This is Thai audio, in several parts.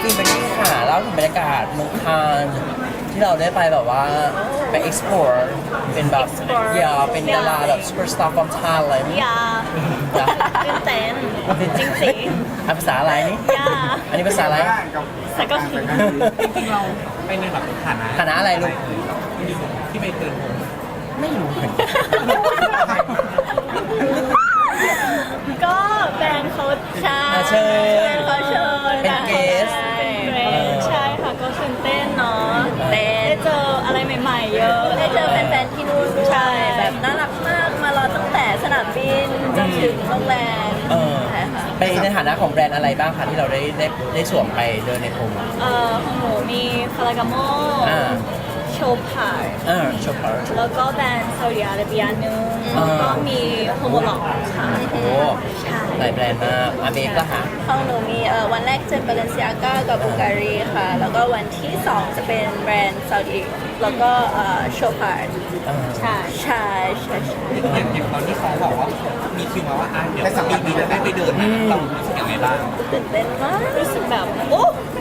อินไปที่ค่ะเล่าถึงบรรยากาศเมืองคานที่เราได้ไปแบบว่าไป explore เป็นแบบอย่าเป็นดาราแบบ superstar from Thailand อย่าตื่นเต้นจริงสิภาษาอะไรนี่อย่าอันนี้ภาษาอะไรแต่ก็จริงๆเราไปในแบบฐานะคณะอะไรลูกที่ไปเตือนผมไม่รู้เหมือนกันก็แบรนด์เขาใช่เชิญเขาเชิญเป็นเกสเป็นเกสใช่ค่ะก็ตื่นเต้นเนาะได้เจออะไรใหม่ๆเยอะได้เจอแฟนๆที่นู่นด้วยใช่แบบน่ารักมากมารอตั้งแต่สนามบินจนถึงโรงแรมเออใช่ค่ะไปในฐานะของแบรนด์อะไรบ้างคะที่เราได้สวมไปเดินในพรมของหนูมีฟารากาโมอ่าโชพาร์โชว์พาร์ทแล้วก็แบรนด์ซาอุดิอาระเบียนึงอ่าแล้วก็มีโฮโมล็อกค่ะโอ้ใช่หลายแบรนด์มากอาเบฟก็หาของหนูมีวันแรกจะเป็นบาเลนซิอาก้ากับบูการีค่ะ แล้วก็วันที่ 2 จะเป็นแบรนด์ซาอุดิแล้วก็โชพาร์ใช่ใช่ใช่ใช่อย่างตอนที่เขาบอกว่ามีคิวมาว่าเดี๋ยวปีนี้จะได้ไปเดินนะเรารู้สึกยังไงบ้างตื่นเต้นมากรู้สึกแบบโอ้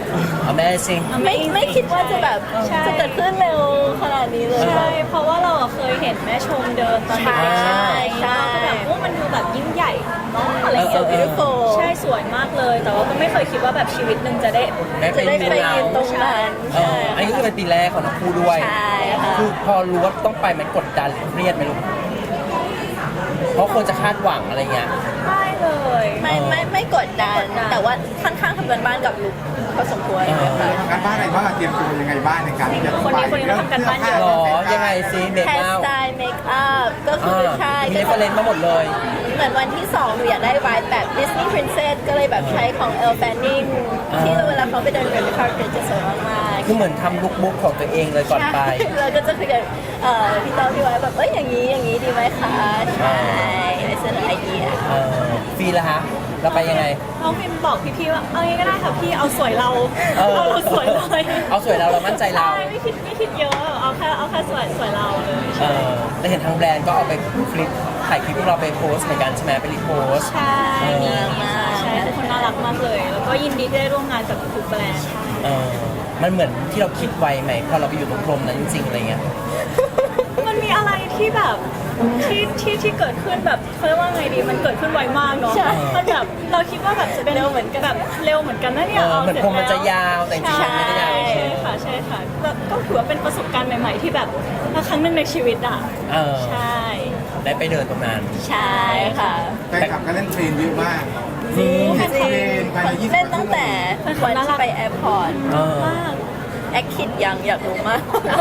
Amazing ไม่คิดว่าจะแบบใช่จะเกิดขึ้นเร็วขนาดนี้เลยใช่ เพราะว่าเราเคยเห็นแม่ชมเดินตอนเด็กๆใช่ใช่ไหมใช่แล้วก็แบบโอ้มันดูแบบยิ่งใหญ่มากอะไรอย่างเงี้ยเออ beautiful ใช่สวยมากเลย แต่ว่าก็ไม่เคยคิดว่าแบบชีวิตหนึ่งจะได้ได้ไปจะได้ไปเรียนยืนตรงนั้นเอออันนี้ก็คือเป็นปีแรกของทั้งคู่ด้วยใช่ค่ะคือพอรู้ว่าต้องไปมันกดดันหรือเครียดไหมลูกเพราะคนจะคาดหวังอะไรเงี้ยไม่เลยไม่กดดัน แต่ว่าค่อนข้างทำกันบ้านกับลุกพอสมควรเลยค่ะทำการบ้านอะไรบ้างเตรียมตัวยังไงบ้างในการที่จะคนนี้เขาทำกันบ้านเยอะหรอ ยังไงซิเบรกแฮร์เอาสไตล์เมคอัพก็คือใช่มีเรฟเฟรนซ์มาหมดเลยเหมือนวันที่ 2 หนูอยากได้ไวท์แบบดิสนีย์พรินเซสก็เลยแบบใช้ของเอลแฟนนิงที่เวลาเขาไปเดินเรดคาร์เฟจะสวยมากๆคือเหมือนทำลุคบุ๊กของตัวเองเลยก่อนไปใช่เราก็จะคุยกับพี่ต้อมพี่ไว้แบบอย่างนี้ดีไหมคะใช่เสนอไอเดียเออฟีละฮะ เราไปยังไงน้องพิมบอกพี่ๆว่าเอางี้ก็ได้ค่ะพี่เอาสวยเราเออเราสวยเลยเอาสวยเรามั่นใจเราใช่ไม่คิดเยอะเอาแค่สวยเราเลยเออแต่เห็นทางแบรนด์ก็เอาไปคลิปถ่ายคลิปพวกเราไปโพสต์เหมือนกันใช่ไหมไปรีโพสต์ใช่มีค่ะใช่ทุกคนน่ารักมากเลย แล้วก็ยินดีที่ได้ร่วมงานกับทุกแบรนด์เออมันเหมือนที่เราคิดไว้ไหมพอเราไปอยู่ตรงพรมนั้นจริงๆอะไรเงี้ยมันมีอะไรที่แบบที่เกิดขึ้นแบบเขาเรียกว่าไงดีมันเกิดขึ้นไวมากเนาะใช่มันแบบเราคิดว่าแบบจะเป็นเร็วเหมือนกันแบบเร็วเหมือนกันนะเนี่ยเหมือนพรมมันจะยาวแต่จริงๆมันไม่ได้ยาวใช่ค่ะใช่ค่ะแล้วก็ถือว่าเป็นประสบการณ์ใหม่ ๆ ที่แบบครั้งหนึ่งในชีวิตอ่ะเออใช่ได้ไปเดินตรงนั้นใช่ค่ะแฟนคลับก็เล่นเทรนเยอะมากจริงจริงภายใน20 เล่นตั้งแต่วันที่ไปแอร์พอร์ตเออมากแอคคิดยังอยากรู้มาก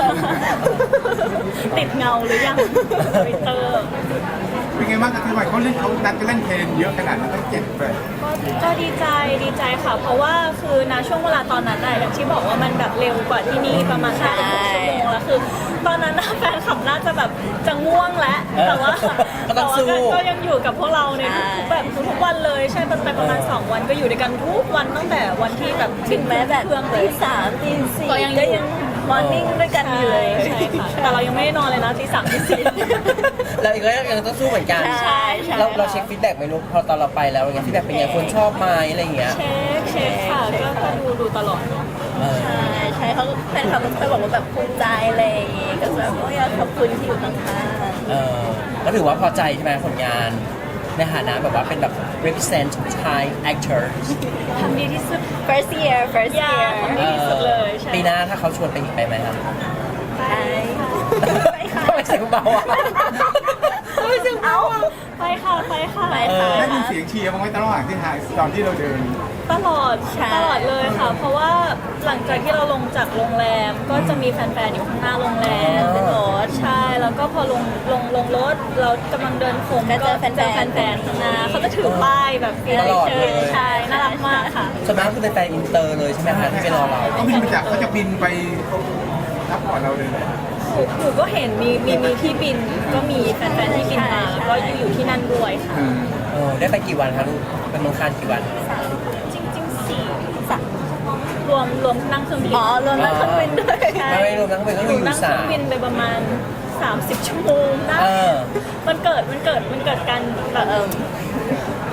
ติดเงาหรือยังทวิตเตอร์เป็นไงบ้างกับที่ว่าเขานัดกันเล่นเทรนเยอะขนาดนั้นตั้ง7แบบก็ดีใจค่ะ เพราะว่าคือณช่วงเวลาตอนนั้นอะอย่างที่บอกว่ามันแบบเร็วกว่าที่นี่ประมาณใช่ 5-6 ชั่วโมงแล้วคือตอนนั้นนะแฟนคลับน่าจะแบบจะง่วงแล้วแต่ว่าก็ต้องสู้ก็ยังอยู่กับพวกเราในทุกๆแบบทุกๆวันเลยใช่ไปประมาณ2 วันก็อยู่ด้วยกันทุกวันตั้งแต่วันที่แบบถึงแม้แบบเครื่องเลตีย 3ตี4 ก็ยังมอร์นิ่งด้วยกันอยู่เลยใช่ค่ะแต่เรายังไม่ได้นอนเลยนะตี 3ตี 4 เราอีกก็ยังต้องสู้เหมือนกันใช่ใช่เราเช็คฟีดแบ็กไหมลูกพอตอนเราไปแล้วอย่างเงี้ยฟีดแบ็กเป็นไงคนชอบไหมอะไรอย่างเงี้ยเช็คค่ะก็ดูตลอดเออใช่เขาแฟนคลับก็เคยบอกว่าแบบภูมิใจอะไรอย่างงี้ก็แบบอยากขอบคุณที่อยู่ข้างเออก็ถือว่าพอใจใช่ไหมผลงานในฐานะแบบว่าเป็นแบบ represent Thai actor ทำดีที่สุดๆ first year อย่าทำดีที่สุดเลยใช่ปีหน้าถ้าเขาชวนไปอีกไปไหมครับไปไปค่ะทำไมเสียงเบาอ่ะทำไมเสียงเบาอ่ะไปค่ะไปค่ะได้ยินเสียงเชียร์บ้างไหมตลอดที่ถ่ายตอนที่เราเดินตลอดใช่ตลอดเลยค่ะ เพราะว่าหลังจากที่เราลงจากโรงแรมก็จะมีแฟนๆอยู่ข้างหน้าโรงแรมอ๋อเป็นรถใช่แล้วก็พอลงรถเรากำลังเดินโค้งก็เจอแฟนๆข้างหน้าเขาจะถือป้ายแบบตลอดเลยใช่น่ารักมากค่ะส่วนมากคือเป็นแฟนอินเตอร์เลยใช่ไหมคะที่ไปรอเราเขาจะบินไปรับก่อนเราเลยหนูก็เห็นมีที่บินก็มีแฟนๆที่บินมาแล้วก็อยู่ที่นั่นด้วยค่ะได้ไปกี่วันคะลูกเป็นเมืองคานกี่วันจริงๆสี่สักรวมนั่งเครื่องบินอ๋อรวมนั่งเครื่องบินด้วยใช่ไม่รวมทั้งไปก็หคืนูออยู่นั่งเครื่สาองมบินไปประมาณ 30 ชั่วโมงได้เออมันเกิดการแบบ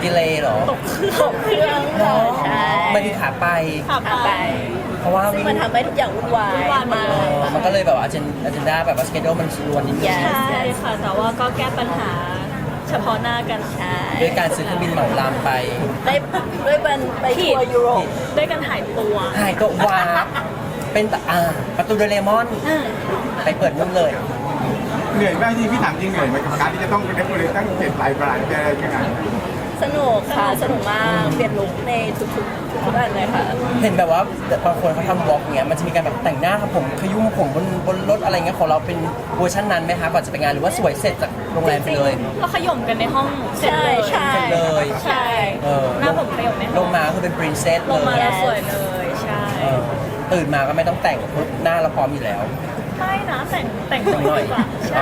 ดีเลย์เหรอตกเครื่องตกเครื่องค่ะใช่ไม่ได้ขาไปขับขาไปไปเพราะว่าซึ่งมันทำให้ทุกอย่างวุ่นวายวุ่นวายหมดเลยมันก็เลยแบบว่าอาเจนดาแบบว่าสเกจมันรวนนิดนึง Yes ใช่ค่ะ แต่ว่าก็แก้ปัญหาเฉพาะหน้ากันใช่ด้วยการซื้อเครื่องบินเหมาลำไปได้ด้วยบันไปทัวร์ยุโรปด้วยกันหายตัวหายตัววาร์ปเป็นประตูโดเรมอน ไปเปิดนู่นเลยเหนื่อยมากจริงพี่ถามจริงเหนื่อยไหมกับการที่จะต้องเดคอเรทตั้ง7ลายประหลาดจะอะไรยังไงสนุกค่ะ สนุกมาก เปลี่ยนลุคในทุกอันเลยค่ะเห็นแบบว่าบางคนเขาทำวอล์กเงี้ยมันจะมีการแบบแต่งหน้าครับผมขยุ่มผมบนรถอะไรเงี้ยของเราเป็นเวอร์ชันนั้นไหมคะก่อนจะไปงานหรือว่าสวยเสร็จจากโรงแรมไปเลยก็ขย่มกันในห้องเสร็จเลยใช่เสร็จเลยใช่เออหน้าผมขย่มในลห้องงมาคือเป็นปรินเซสลเลงมาย แล้วสวยเลย ใช่เออตื่นมาก็ไม่ต้องแต่งหน้าเราพร้อมอยู่แล้วไม่นะแต่งแต่งหน่อยดีกว่าใช่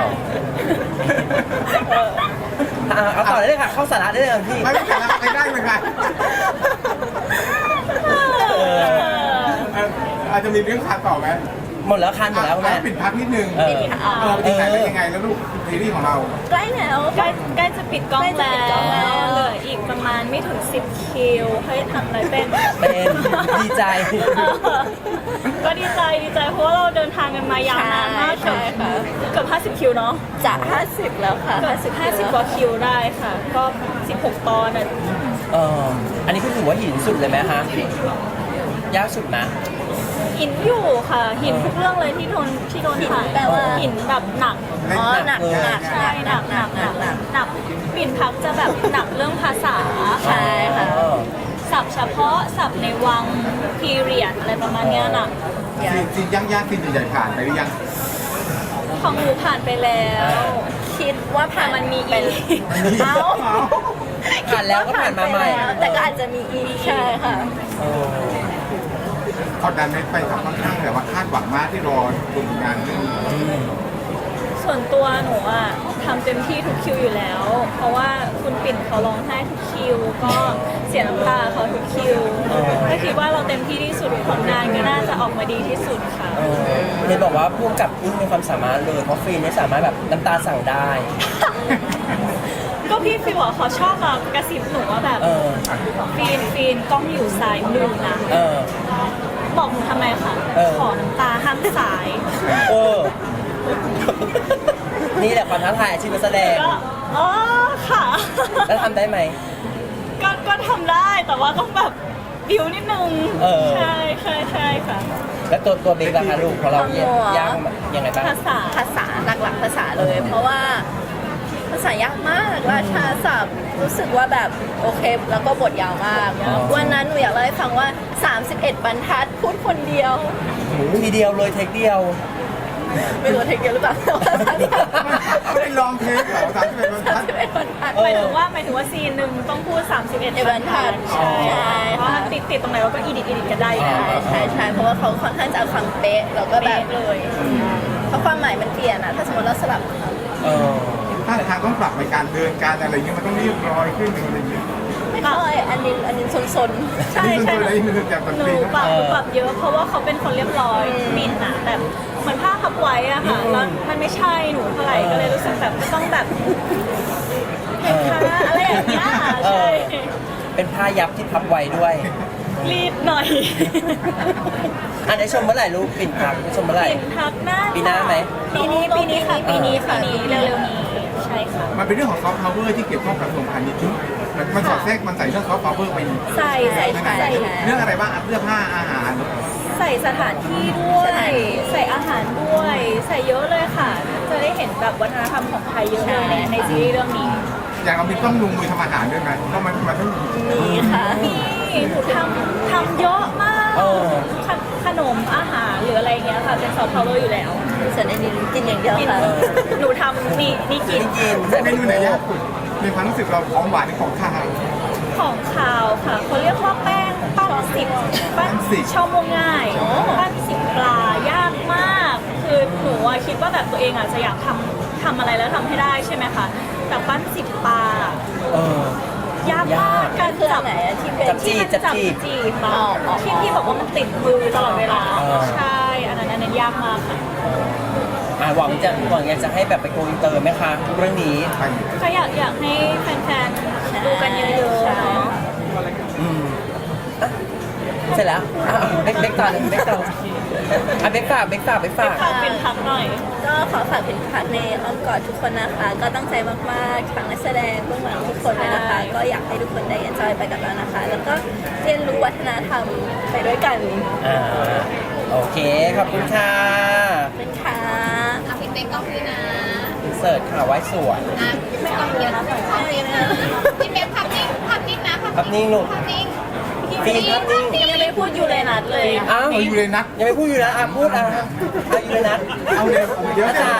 เอาต่อได้เลยค่ะ เข้าสาระได้เลยพี่ไม่ได้แต่ละไม่ได้เหมือนกันอาจจะมีเรื่องขาดต่อไหมหมดแล้วคันหมดแล้วแม่ปิดพักนิดนึงเออไปถึงไหนเป็นยังไงแล้วลูกซีรีส์ของเราใกล้แล้วใกล้จะปิดกล้องใกล้จะปิดกล้องแล้แล้ว วเหลืออีกประมาณไม่ถึง 10 คิวให้ทำอะไรเป็นเป็นดีใจก็ดีใจเพราะว่าเราเดินทางกันมายาวนานมากใช่ค่ะเกือบ50 คิวเนาะจะ 50 แล้วค่ะเกือบ50 กว่าคิวได้ค่ะ ก็ 16 ตอนอ่ะเอออันนี้คือถือว่าหินสุดเลยไหมคะยากสุดไหมหินอยู่ค่ะ หินทุกเรื่องเลยที่โดนถ่ายแปลว่าหินแบบหนักอ๋อหนักใช่หนักปิ่นพักจะแบบหนักเรื่องภาษาใช่ค่ะเออศัพท์เฉพาะศัพท์ในวังพีเรียดอะไรประมาณเนี้ยหนักซีนยากซีนใหญ่ๆผ่านไปหรือยังของหนูผ่านไปแล้วคิดว่าผ่านแต่มันมีอีกเป็นเอ้าผ่านแล้วก็ผ่านมาใหม่แต่ก็อาจจะมีอีกใช่ค่ะเออกดดันไหมไปกับค่อนข้างแต่ว่าคาดหวังมากที่รอดูผลงานเรื่องนี้ส่วนตัวหนูอะทำเต็มที่ทุกคิวอยู่แล้ว เพราะว่าคุณปิ่นเขาร้องไห้ทุกคิว ก็เสียน้ำตาเขาทุกคิวก็คิดว่าเราเต็มที่ที่สุดผลงานก็น่าจะออกมาดีที่สุดค่ะเออเห็นบอกว่าพุ่งกับอึ้งมีความสามารถเลยเพราะฟีนเนี่ยสามารถแบบน้ำตาสั่งได้ก็พี่ฟิวอะเขาชอบมากระซิบหนูว่าแบบเออฟีนกล้องอยู่ซ้ายมือนะเออบอกหนูทำไมคะเออขอน้ำตาห้ามสายเออ นี่แหละความท้าทายอาชีพนักแสดงก็อ๋อค่ะแล้วทำได้ไหมก็ทำได้แต่ว่าต้องแบบบิวนิดนึงเออใช่ค่ะแล้วตัวเบกราคาลูกของเราเนี่ยยากยังไงบ้างภาษาภาษาหลักๆภาษาเลย เพราะว่าภาษายากมากราชาศัพท์รู้สึกว่าแบบโอเค แล้วก็บทยาวมาก วันนั้นหนูอยากเล่าให้ฟังว่า 31 บรรทัดพูดคนเดียวทีเดียวเลยเทคเดียวไม่รู้ว่าเทคเดียวหรือเปล่าแต่ว่าไม่ได้ลองเทคเหรอ31 31 บรรทัดหมายถึงว่าซีนหนึ่งต้องพูด 31 บรรทัดใช่ใช่เพราะว่าติดตรงไหนเราก็อีดิทกันได้อยู่ใช่เพราะว่าเขาค่อนข้างจะเอาคำเป๊ะแล้วก็แบบเป๊ะเลยเพราะความหมายมันเปลี่ยนอะถ้าสมมติเราสลับเออถ้าทางต้องปรับในการเดินการอะไรอย่างเงี้ยมันต้องเรียบร้อยขึ้นอะไรอย่างเงี้ยไม่ค่อยอันนี้ซนใช่นี่เป็นตัวอะไรที่มันจากหนูปีปรับนะหนูปรับเยอะเพราะว่าเขาเป็นคนเรียบร้อยมินอะแบบเหมือนผ้าพับไว้อะค่ะแล้วมันไม่ใช่หนูเท่าไหร่ก็เลยรู้สึกแบบต้องแบบเห็นคะอะไรอย่างเงี้ยใช่เป็นผ้ายับที่พับไว้ด้วยรีบหน่อยอันได้ชมเมื่อไหร่ลูกปิ่นพักได้ชมเมื่อไหร่ปิ่นพักหน้าปีหน้าไหมปีนี้ค่ะปีนี้เร็วๆนี้ใช่ค่ะมันเป็นเรื่องของซอฟต์พาวเวอร์ที่เกี่ยวข้องกับกระทรวงพาณิชย์ด้วยมันสอดแทรกมันใส่เรื่องซอฟต์พาวเวอร์ไปใส่เรื่องอะไรบ้างเสื้อผ้าอาหารใส่สถานที่ด้วย ใส่อาหารด้วย ใส่เยอะเลยค่ะ จะได้เห็นแบบวัฒนธรรมของไทยเยอะเลยในซีรีส์เรื่องนี้อย่างเรามีต้องลงมือทำอาหารด้วยไหมเพราะมันต้องๆมีค่ะมีหนูทำเยอะมากเออขนมอาหารหรืออะไรเงี้ยค่ะเป็นซอฟต์พาวเวอร์อยู่แล้วส่วนอันนี้กินอย่างเดียวกินค่ะหนูทำนี่กินไม่กินเมนูไหนยากสุดในความรู้สึกเราของหวานหรือของข้าวของขาวค่ะเขาเรียกว่าแป้งปั้นสิบปั้นสิบช่อม่วงง่ายปั้นสิบปลายากมาก คือหนูอะคิดว่าแบบตัวเองอาจจะอยากทำอะไรแล้วทำให้ได้ใช่ไหมคะแต่ปั้นสิบปลาเออยากมากการคืออันไหนอะที่เป็นจับจี้ที่มันจับจีบมาที่บอกว่ามันติดมือตลอดเวลา ใช่อันนั้นยากมากค่ะหวังอยากจะให้แบบไปโกอินเตอร์ไหมคะเรื่องนี้ก็อยากให้แฟนๆดูกันเยอะๆเสร็จแล้วเบกต่อเลยเบกต่อเบกฝากเป็นพักหน่อยก็ขอฝากเป็นพักในอ้อมกอดทุกคนนะคะ ก็ตั้งใจมากๆทั้งนักแสดงเบื้องหลังทุกคนเลยนะคะ ก็อยากให้ทุกคนได้ enjoy ไปกับเรานะคะ แล้วก็เรียนรู้วัฒนธรรมไปด้วยกันโอเคขอบคุณค่ะเป็นค่ะพี่เป๊กก็คือนะเสิร์ชค่ะไว้สวยไม่ต้องเยอะนะพี่เป๊กภาพนิ่งนะภาพนิ่งลูกภาพนิ่งฟีภาพนิ่งยังไม่พูดอยู่เลยนัดเลยอ้าวอยู่เลยนะยังไม่พูดอยู่นะพูดอยู่เลยนะเอาเลยเดี๋ยวจะ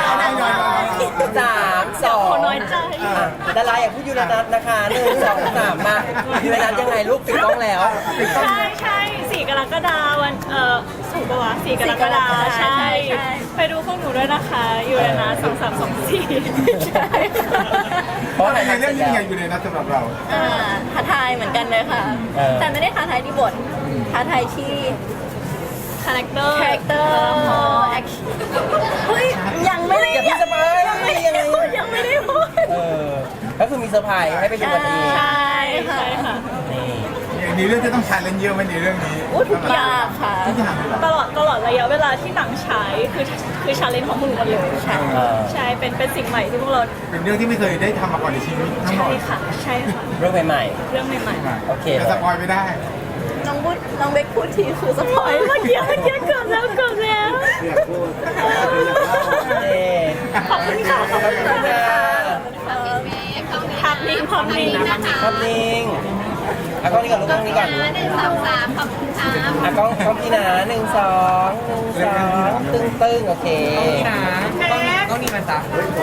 3 2 น้อยใจดาราอยากพูดยูเรนัสนะคะ1 2 3มายูเรนัสยังไงลูกปิดกล้องแล้วใช่4 กรกฎาคมวันถูกปะวะ4 กรกฎาคมใช่ ไปดูพวกหนูด้วยนะคะอยู่เลยนะ2324 ใช่เพราะอะไรในเรื่องนี้ยังไงอยู่เลยนะสำหรับเราท้าทายเหมือนกันเลยค่ะ แต่ไม่ได้ท้าทายที่บท ท้าทายที่คาแรคเตอร์คาแรคเตอร์แอคชั่นเฮ้ยยังไม่ได้อย่าพี่สบายยังไม่ได้พูดยังไม่ได้พูดก็คือมีเซอร์ไพรส์ให้ไปดูกันเองใช่ค่ะนี่ในเรื่องที่ต้องชาเลนจ์เยอะไหมในเรื่องนี้ทุกอย่างค่ะทุกอย่างเลยเหรอตลอดระยะเวลาที่หนังฉายคือชาเลนจ์ของพวกหนูหมดเลยใช่ ใช่เป็นสิ่งใหม่ที่พวกเราเป็นเรื่องที่ไม่เคยได้ทำมาก่อนในชีวิตทั้งหมใช่ดค่ะใช่ค่ะเรื่องใหม่เรื่องใหม่ๆโอเคแต่สปอยไม่ได้น้องเบคพูดทีคือสปอยล์เมื่อกี้เกือบแล้ว ขอบคุณค่ะขอบคุณค่ะภาพนิ่งนะคะภาพนิ่งกล้องนี้ก่อนลูกกล้องนี้ก่อน 1 2 3ขอบคุณครับกล้องพี่นะ1 2 ตึ้งโอเคก็นี่มันจ้ะ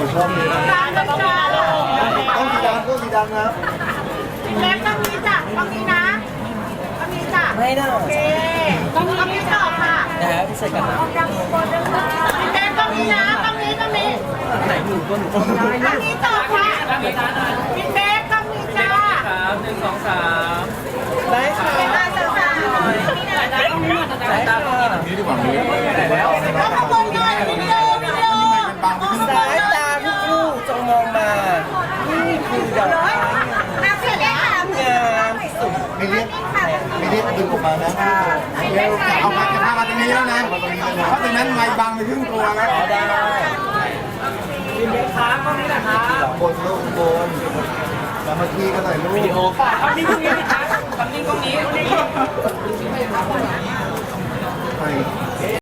ต้องสีดำต้องสีดำครับเป๊กต้องมีจ้ะต้องมีนะต้องมีจ้ะไม่ได้ต้องมีต่อค่ะนะครับพี่เสกกันนะเป๊กต้องมีนะต้องมีไหนหนูตัวหนูต้องได้ต้องมีต่อค่ะพี่เป๊กต้องมีจ้าได้ค่ะได้จ้าได้ค่ะนี่ดีกว่าเลยแล้วขบวนหน่อยวิดีโอเป็นบางไปขึ้นสายตาทุกคู่จงมองมา นี่คือดอกไม้นักเสียงค่ะงามสุดไม่เรียกดึงออกมานะเอามาจะพามาตรงนี้แล้วนะเพราะตรงนั้นไม่บางไปครึ่งตัวแล้วได้บนลูกบนแล้วเมื่อกี้ก็หน่อยลูกวิดีโอภาพนิ่งตรงนี้ภาพนิ่งตรงนี้